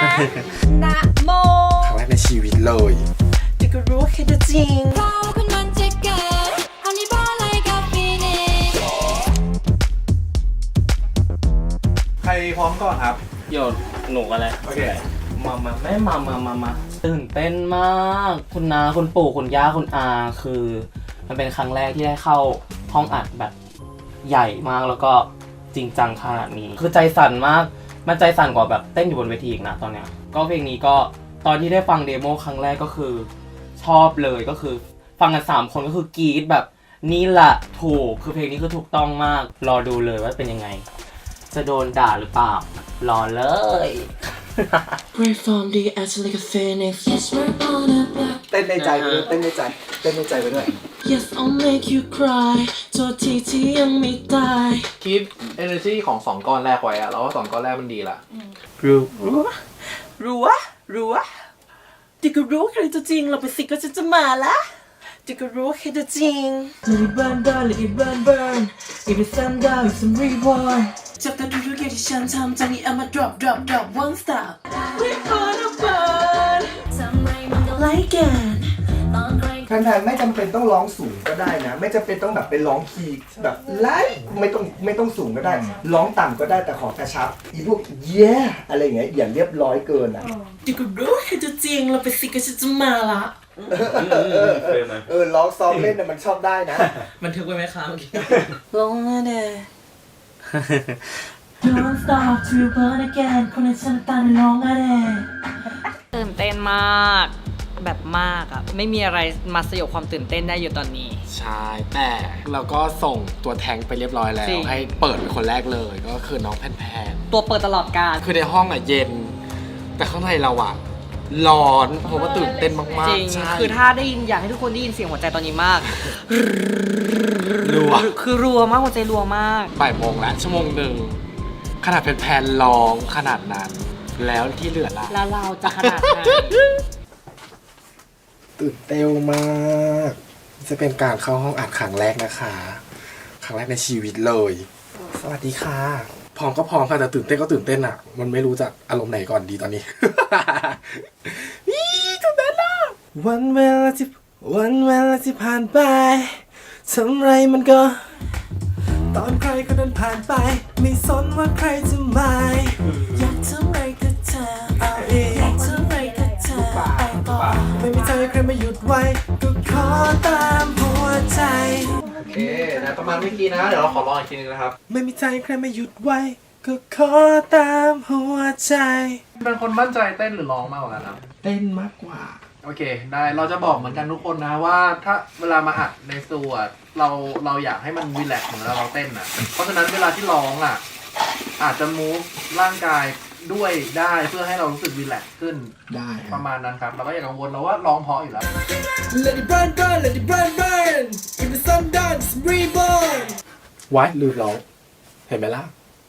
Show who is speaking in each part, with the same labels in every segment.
Speaker 1: นะโม
Speaker 2: ครั้งแรกในชีวิตเลยแต่ก็รู้แค่จะจริง
Speaker 1: เราคนมันจะเกิดอันนี้บ้าอะไรกับฟีนิกซ์
Speaker 3: ใครพร้อมก่อนครับ
Speaker 4: โยนหนูอะไร
Speaker 3: โอเค
Speaker 4: มาตื่นเต้นมากคุณนาคุณปู่คุณย่าคุณอาคือมันเป็นครั้งแรกที่ได้เข้าห้องอัดแบบใหญ่มากแล้วก็จริงจังขนาดนี้คือใจสั่นมากมันใจสั่นกว่าแบบเต้นอยู่บนเวทีอีกนะตอนเนี้ยก็เพลงนี้ก็ตอนที่ได้ฟังเดโมครั้งแรกก็คือชอบเลยก็คือฟังกัน3คนก็คือกรี๊ดแบบนี่แหละถูกคือเพลงนี้คือถูกต้องมากรอดูเลยว่าเป็นยังไงจะโดนด่าหรือเปล่ารอเลย
Speaker 5: Right from the edge like a phoenix. Yes, we're on a black.
Speaker 2: เต้นในใจไปด้วยเต้นในใจไปด้วย
Speaker 5: Yes, I'll make you cry. ตัวที่ยังไม่ตาย
Speaker 3: คีป energy ของ2ก้อนแรกไว้อะเราว่า2ก้อนแรกมันดีละ
Speaker 2: รู้แต่ก็รู้ใครจะจริงเราไปสิก็จะมาละแต่ก็รู้ใครจะจริง
Speaker 5: Let it burn down, let it burn burn. If it's sun down, it's some reborn. จับตาดูทุกอย่างที่ฉันทำจากนี้ I'ma drop one stop. We're gonna burn.
Speaker 1: ทำไมมันก็ไล่กันตอนใคร
Speaker 2: แฟนๆไม่จำเป็นต้องร้องสูงก็ได้นะไม่จำเป็นต้องแบบไปร้องคีย์แบบไล่ไม่ต้องสูงก็ได้ร้องต่ำก็ได้แต่ขอกระชับอีพวกเย้อะไรอย่างเงี้ยอย่าเรียบร้อยเกินอ่ะ
Speaker 5: แต่ก็รู้ใครจะจริงเราไปสิก็จะมาละ
Speaker 2: ร้องซ้อมเล่นน่ะมันชอบได้นะ
Speaker 5: มันถึกไว้ไหมคะเมื่อกี้
Speaker 2: ลงมาเด้
Speaker 5: Don't stop to burn again คนในฉันตามน้องอะเด้
Speaker 6: ตื่นเต้นมากแบบมากอะไม่มีอะไรมาสยบความตื่นเต้นได้อยู่ตอนนี้
Speaker 2: ใช่แต่เราก็ส่งตัวแทงไปเรียบร้อยแล้ว
Speaker 6: จริง
Speaker 2: ให้เปิดเป็นคนแรกเลยก็คือน้องแพน
Speaker 6: ตัวเปิดตลอดการ
Speaker 2: คือในห้องอ่ะเย็น แต่ข้างในเราอ่ะร้อนเพราะว่าตื่นเต้นมาก
Speaker 6: จริง
Speaker 2: ๆใช่
Speaker 6: คือถ้าได้ยินอยากให้ทุกคนได้ยินเสียงหัวใจตอนนี้มาก
Speaker 2: รัว
Speaker 6: คือรัวมากหัวใจรัวมาก
Speaker 2: บ่ายโมงแล้วชั่วโมงหนึ่งขนาดแพนๆร้องขนาดนั้น แล้วที่เหลือล่ะ
Speaker 6: แล้วเราจะขนาดไหน
Speaker 2: ตื่นเต้นมาก จะเป็นการเข้าห้องอัดครั้งแรกนะคะครั้งแรกในชีวิตเลย สวัสดีค่ะ พร้อมก็พร้อมค่ะแต่ตื่นเต้นก็ตื่นเต้นอ่ะ มันไม่รู้จะอารมณ์ไหนก่อนดีตอนนี้ นี่ตื่นเต้นอ่ะวันเวลาที่ผ่านไปทำไรมันก็ ตอนใครก็เดินผ่านไป ไม่สนว่าใครจะมาอยากทำไรก็ทำเอาเองอยากทำไรก็ทำไปต่อไม่มีใจใครมาหยุดไว้ก็ขอตามหัวใจ
Speaker 3: โอเคนะประมาณเมื่อกี้นะ เดี๋ยวเราขอลองอีกทีนึงนะครับ
Speaker 2: ไม่มีใจใครมาหยุดไว้ก็ขอตามหัวใจ
Speaker 3: เป็นคนมั่นใจเต้นหรือร้องมากกว่ากันครับ
Speaker 2: เต้นมากกว่า
Speaker 3: โอเค ได้เราจะบอกเหมือนกันทุกคนนะว่าถ้าเวลามาอัดในสตูอะเราอยากให้มันรีแลกซ์เหมือนเราเต้นอ่ะ เพราะฉะนั้นเวลาที่ร้องอ่ะอาจจะมูฟร่างกายด้วยได้เพื่อให้เรารู้สึกรีแลกซ์ขึ้น
Speaker 2: ได้
Speaker 3: ประมาณนั้นครับเราก็อย่ากังวลเราว่าร้องเพราะอยู่แล้ว
Speaker 5: Let it burn burn Let it burn burn If the sun down it's reborn
Speaker 2: ไว้ลืมร้องเห็นไหมล่ะ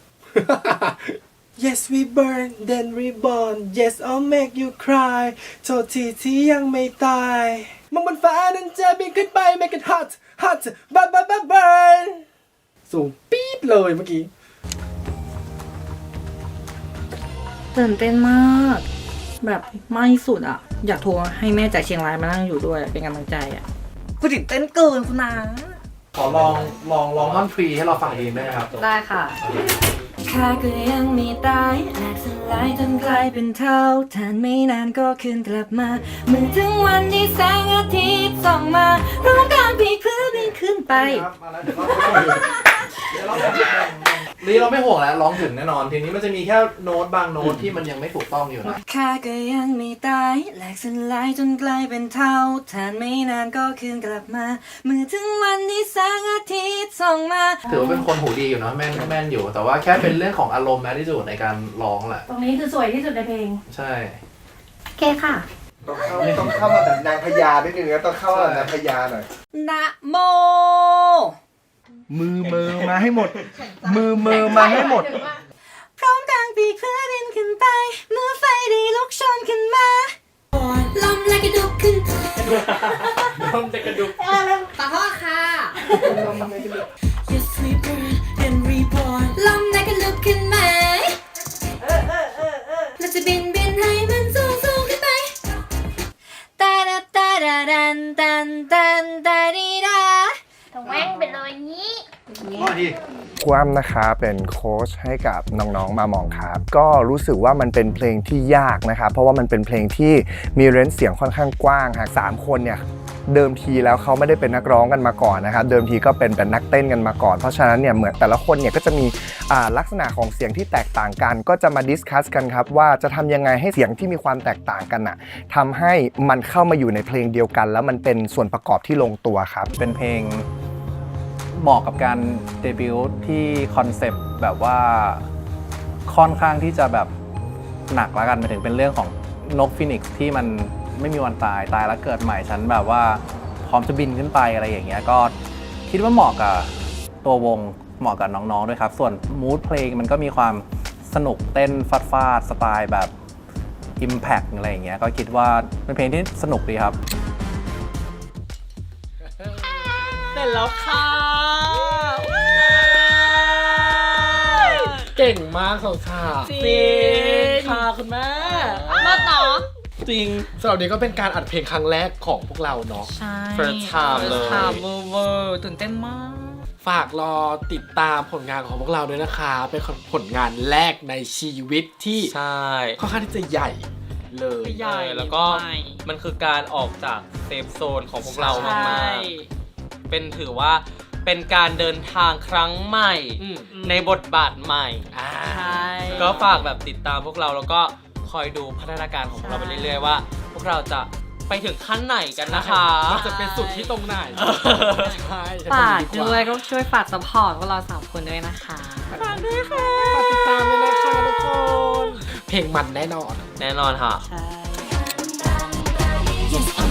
Speaker 2: Yes we burn then reborn Yes I'll make you cry โทษทีที่ยังไม่ตายมองบนฟ้านั้นจะบินขึ้นไป make it hot hot burn สูงปี๊ดเลยเมื่อกี้
Speaker 6: ตื่นเต้นมาก แบบมากที่สุดอะอยากโทรให้แม่จากเชียงรายมานั่งอยู่ด้วยเป็นกำลังใจอะกูตื่นเต้นเกินคุณนา
Speaker 3: ขอลองท่อนฟรีให้เราฟังเองได้ไหมครับ
Speaker 6: ได้ค่ะ
Speaker 1: ข้าก็ยังมีตายแหลกสลายจนกลายเป็นเท่าทานไม่นานก็คืนกลับมาเมื่อถึงวันที่แสงอาทิตย์ส่องมาร้องการพีเพื่อบินขึ้นไป
Speaker 3: ครับมาแล้วเดี๋ยวเราไม่ห่วงแล้วร้องถึงแน่นอนทีนี้มันจะมีแค่โน้ตบางโน้ตที่มันยังไม่ถูกต้องอยู่นะ
Speaker 1: ข้าก็ยังไม่ตายแหลกสลายจนกลายเป็นเท่าทานไม่นานก็คืนกลับมาเมื่อถึงวันที่แสงอาทิตย์ส่องมา
Speaker 3: ถือว่าเป็นคนหูดีอยู่เนาะแม่นอยู่แต่ว่าแค่เป็นเรื่องของอารมณ์แมทที่สุดในการร้องแหละ
Speaker 7: ตรงนี้คือสวยที่สุดในเพลง
Speaker 3: ใช่
Speaker 7: โอเคค่ะ
Speaker 2: ต้องเข้ามาแบบนางพญาด้วยนึงนะต้องเข้ามาแบบนางพญาหน่อย
Speaker 6: นะโม
Speaker 2: มือมาให้หมด มือมาให้หมด
Speaker 1: พร้อมกลางปีกเพื่อบินขึ้นไปเมื่อไฟได้ลุกโชนขึ้นมาลมและกระดุกขึ้น
Speaker 4: น้องจะกระดุก
Speaker 6: ขอโทษค่ะ
Speaker 1: Yes we burn and reborn ลมและกระลุกขึ้นมาเราจะบินหา
Speaker 8: ครูอ้ำนะคะเป็นโค้ชให้กับน้องๆมามองครับก็รู้สึกว่ามันเป็นเพลงที่ยากนะครับเพราะว่ามันเป็นเพลงที่มีเรนจ์เสียงค่อนข้างกว้างหาก3คนเนี่ยเดิมทีแล้วเขาไม่ได้เป็นนักร้องกันมาก่อนนะครับเดิมทีก็เป็นนักเต้นกันมาก่อนเพราะฉะนั้นเนี่ยเหมือนแต่ละคนเนี่ยก็จะมีลักษณะของเสียงที่แตกต่างกันก็จะมาดิสคัสกันครับว่าจะทำยังไงให้เสียงที่มีความแตกต่างกันน่ะทำให้มันเข้ามาอยู่ในเพลงเดียวกันแล้วมันเป็นส่วนประกอบที่ลงตัวครับ
Speaker 9: เป็นเพลงเหมาะกับการเดบิวต์ที่คอนเซปต์แบบว่าค่อนข้างที่จะแบบหนักแล้วกันไปถึงเป็นเรื่องของนกฟีนิกซ์ที่มันไม่มีวันตายแล้วเกิดใหม่ฉันแบบว่าพร้อมจะบินขึ้นไปอะไรอย่างเงี้ยก็คิดว่าเหมาะกับตัววงเหมาะกับน้องๆด้วยครับส่วนมูดเพลงมันก็มีความสนุกเต้นฟาดสไตล์แบบ Impact อะไรอย่างเงี้ยก็คิดว่าเป็นเพลงที่สนุกดีครับ
Speaker 4: เสร็จแล้วค่ะเก่งมากค่ะจริงค่ะคุณแม่
Speaker 6: มาต่อ
Speaker 4: จริง
Speaker 2: สำหรับนี้ก็เป็นการอัดเพลงครั้งแรกของพวกเราเนาะ
Speaker 6: ใช่
Speaker 4: First time เลย
Speaker 6: เวอร์ตื่นเต้นมาก
Speaker 2: ฝากรอติดตามผลงานของพวกเราด้วยนะคะเป็นผลงานแรกในชีวิตที่
Speaker 4: ใช่
Speaker 2: ค่อนข้างที่จะใหญ่เลย
Speaker 6: ใหญ่
Speaker 4: แล้วก็มันคือการออกจากเซฟโซนของพวกเรามากๆเป็นถือว่าเป็นการเดินทางครั้งใหม่ในบทบาทใหม่ก็ฝากแบบติดตามพวกเราแล้วก็คอยดูพัฒนาการของพวกเราไปเรื่อยๆว่าพวกเราจะไปถึงขั้นไหนกันนะคะ
Speaker 2: มันจะเป็นสุดที่ตรงไหนใช่
Speaker 6: ฝากด้วยก็ช่วยฝากซัพพอร์ตพวกเรา3 คนด้วยนะคะ
Speaker 4: ฝากด้วยค่ะ
Speaker 2: ฝากติดตามด้วยนะคะทุกคนเพลงมันแน่นอน
Speaker 4: ค่ะ
Speaker 6: ใช่